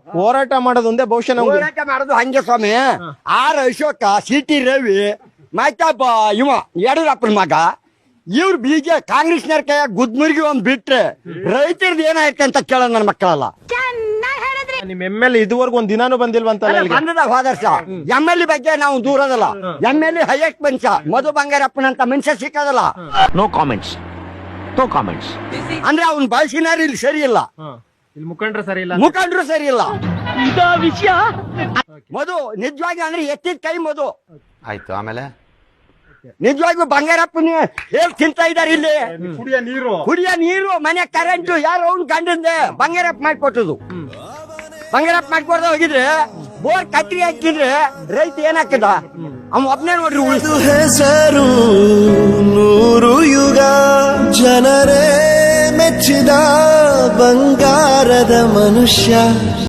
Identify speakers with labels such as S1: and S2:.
S1: ಹೋರಾಟ ಮಾಡೋದು ಒಂದೇ ಬಹುಶಃ ನಮ್ಗೆ
S2: ಹೋರಾಟ ಮಾಡೋದು ಹಂಗೆ ಸ್ವಾಮಿ. ಆರ್ ಅಶೋಕ, ಸಿಟಿ ರವಿ, ಮತ್ತೊಬ್ಬ ಇವ ಯಡಿಯೂರಪ್ಪನ ಮಗ, ಇವ್ರು ಕಾಂಗ್ರೆಸ್ನವ್ರ ಕೈಯಾಗ ಗುದ್ಮುರ್ಗಿ ಒಂದ್ ಬಿಟ್ರೆ ರೈತರದ್ದು ಏನಾಯ್ತು ಅಂತ ಕೇಳೋದು ನನ್ನ ಮಕ್ಕಳಲ್ಲ.
S1: ನಿಮ್ ಎಮ್.ಎಲ್.ಎ ಇದುವರೆಗೂ ಒಂದ್ ದಿನಾನು ಬಂದಿಲ್ವಂತಲ್ಲ ಇಲ್ಲಿಗೆ?
S2: ಬಂದದ ಹೋದರ್ಷ. ಎಮ್.ಎಲ್.ಎ ಬಗ್ಗೆ ನಾವು ದೂರದಲ್ಲ. ಎಮ್.ಎಲ್.ಎ ಹೈಯೆಸ್ಟ್ ಮನುಷ್ಯ ಮಧು ಬಂಗಾರಪ್ಪನಂತ ಮನುಷ್ಯ ಸಿಕ್ಕದಲ್ಲ.
S3: No comments, no comments.
S2: ಅಂದ್ರೆ ಅವ್ನ ಬಳಸಿನಾರ ಇಲ್ಲಿ ಸರಿ ಇಲ್ಲ,
S1: ಇಲ್ಲಿ ಮುಖಂಡ್ರು ಸರಿ ಇಲ್ಲ,
S2: ಮುಖಂಡರು ಸರಿ ಇಲ್ಲ. ಮಧು ನಿಜವಾಗಿ ಅಂದ್ರೆ ಎತ್ತಿದ ಕೈ ಮಧು.
S3: ಆಯ್ತು, ಆಮೇಲೆ
S2: ನಿಜವಾಗ್ಲೂ ಬಂಗಾರಪ್ಪನ ಹೇಳಿ ತಿಂತಾ ಇದಾರೆ ಇಲ್ಲಿ. ಕುಡಿಯ ನೀರು, ಮನೆ ಕರೆಂಟು ಯಾರು ಅವ್ನು ಗಂಡಂದೆ ಬಂಗಾರಪ್ಪ ಮಾಡಿಕೊಟ್ಟದು. ಬಂಗಾರಪ್ಪ ಮಾಡಿಕೊಡ್ದ ಹೋಗಿದ್ರೆ ಬೋರ್ ಕಟ್ಟಿ ಹಾಕಿದ್ರೆ ರೈತ ಏನಾಕದ? ಅವ್ನು ಒಬ್ನೇ ನೋಡ್ರಿ ಉಳಿದು.
S4: ಹೆಸರು ನೂರು ಯುಗ, ಜನರೇ ಮೆಚ್ಚಿದ ಬಂಗಾರದ ಮನುಷ್ಯ.